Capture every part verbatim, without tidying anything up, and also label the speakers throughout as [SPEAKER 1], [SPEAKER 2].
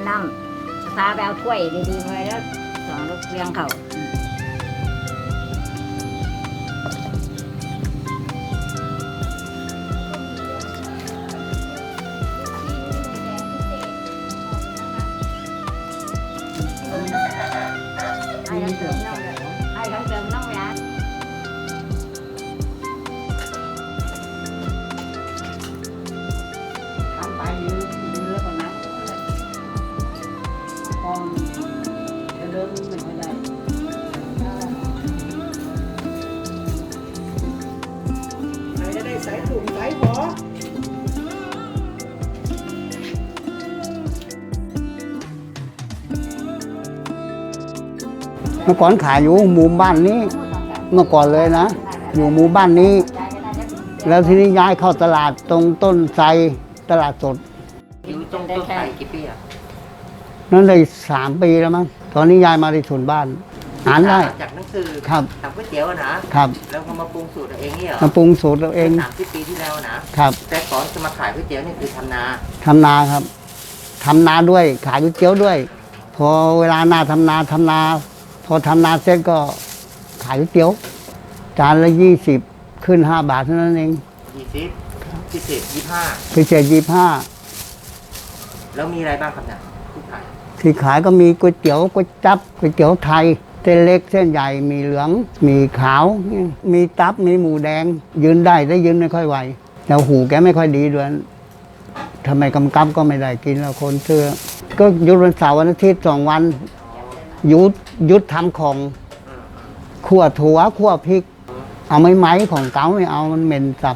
[SPEAKER 1] น้ำพาไปเอาถ้วยดีๆไปแล้วสองลูกเลี้ยงเขาให้ทั้งเติมน้ำให้ทั้งเติมน้ำยาทำไปยืนยืนแล้วก็นั่งพอจะเดินไม่ค่อยได้
[SPEAKER 2] ใครจะได้ใส่ถุงใส่หอ
[SPEAKER 3] เมื่อก่อนขายอยู่หมู่บ้านนี้เมื่อก่อนเลยนะอยู่หมู่บ้านนี้แล้วทีนี้ย้ายเข้าตลาดตรงต้นไทรตลาดสด
[SPEAKER 4] อยู่ตรงต้นไทรกี่ปีอ่ะ
[SPEAKER 3] นั่นเลยสามปีแล้วมั้งตอนนี้ย้ายมาที่ถุนบ้านอ่านได้
[SPEAKER 4] จากหนังสือ
[SPEAKER 3] ครับ
[SPEAKER 4] ทำก๋วยเตี๋ยวนะครับแล้วก็มาปรุงสูตรเองเนี่ยเหรอ
[SPEAKER 3] มาปรุงสูตรเราเอง
[SPEAKER 4] สามสิบปีที่แล้วนะครับแต่ก่อนจะมาขายก๋วยเตี๋ยวนี่คือทำนา
[SPEAKER 3] ทำนาครับทำนาด้วยขายก๋วยเตี๋ยวด้วย พอเวลาหน้าทำนาทำนาพอทำนาเสร็จก็ขายก๋วยเตี๋ยวจานละยี่สิบขึ้นห้าบาทเท่านั้นเอง
[SPEAKER 4] ยี่สิบพิเศษยี่ห้า
[SPEAKER 3] พิเศษยี่ห้า
[SPEAKER 4] แล้วมีอะไรบ้างครับเนี่ยที่ขาย
[SPEAKER 3] ที่ขายก็มีก๋วยเตี๋ยวก๋วยจั๊บก๋วยเตี๋ยวไทยเส้นเล็กเส้นใหญ่มีเหลืองมีขาวมีตับมีหมูแดงยืนได้ได้ยืนไม่ค่อยไหวแล้วหูแกไม่ค่อยดีด้วยทำไมกำกับก็ไม่ได้กินแล้วคนเชื่อก็หยุดวันเสาร์วันอาทิตย์สองวันหยุดหยุดทำของขั่วถั่วขั่วพริกเอาไม้ไม้ของเก๋าไม่เอามันเหม็นสับ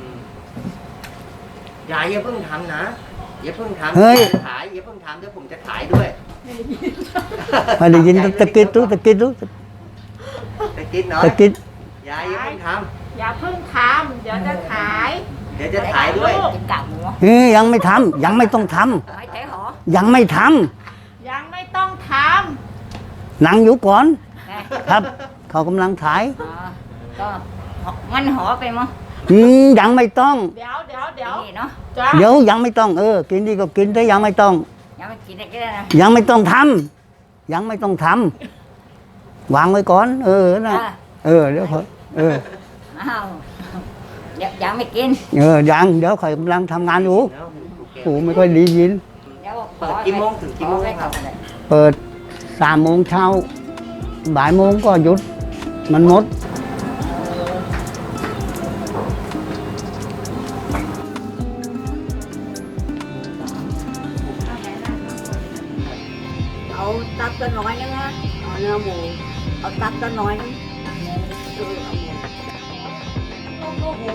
[SPEAKER 4] ยายอย่าเพิ่งทำนะอย่าเพิ่งทำ
[SPEAKER 3] เฮ้ย
[SPEAKER 4] ขายอย่าเพิ่งทำเดี๋ยวผมจะขายด้วย
[SPEAKER 3] พอได้ยินตะกิดรู้ตะกิดรู้
[SPEAKER 4] ตะกิดเนาะ
[SPEAKER 3] ตะกิด
[SPEAKER 4] ยายอย่าเพิ่งท
[SPEAKER 2] ำอย่าเพิ่งทำเดี๋ยวจะขาย
[SPEAKER 4] เดี๋ยวจะขายด้วย
[SPEAKER 1] กินกากหมู
[SPEAKER 3] เฮ้ยยังไม่ทำยังไม่ต้องทำ
[SPEAKER 1] ไม่ใช่หรอ
[SPEAKER 3] ยังไม่ท
[SPEAKER 2] ำยังไม่ต้องท
[SPEAKER 3] ำนั่งอยู่ก่อนครับเขากำลังขาย
[SPEAKER 1] ก็งั้นหอไปมั้ง
[SPEAKER 3] อืมยังไม่ต้อง
[SPEAKER 2] เดี๋ยวเดี๋ยวเดี๋ยว
[SPEAKER 1] เนาะ
[SPEAKER 3] เดี๋ยวยังไม่ต้องเออกินดีก็กินแต่ยังไม่ต้อง
[SPEAKER 1] ยังไม่กินได้ก็ได้นะ
[SPEAKER 3] ยังไม่ต้องทำยังไม่ต้องทำวางไว้ก่อนเออนะเออเดี๋ยวเขาเออ
[SPEAKER 1] อ้าวยังไม่กิน
[SPEAKER 3] เออยังเดี๋ยวเขากำลังทำงานอยู่หูไม่ค่อยดียิน
[SPEAKER 4] เปิดกี่โมงถึงกี่โมงครับ
[SPEAKER 3] เปิดสามโมงเช้าบ่ายโมงก็หยุดมันหมด
[SPEAKER 2] เอาตับตัวน้อยนึงนะเอาเนื้อหมูเอาตับตัวน้อยนึงเออเอาหมูโอ้โห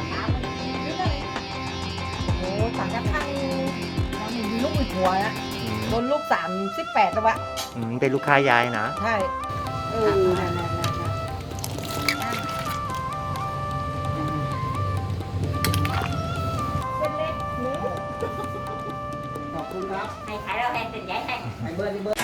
[SPEAKER 2] โอ้โหสั่งกระทั่งมันมีลูกอีกหัวนะโดนลูกสามสิบแปดแล้ววะ
[SPEAKER 4] เป็นลูกค้ายายนะ
[SPEAKER 2] ใช่เออนั่นนั่นนั่นเป็นเล็กหมูขอบคุณครับ
[SPEAKER 1] ให้ขายเราให้เป็นใหญ่ให้
[SPEAKER 2] ให้เบอร์ให้เบอร์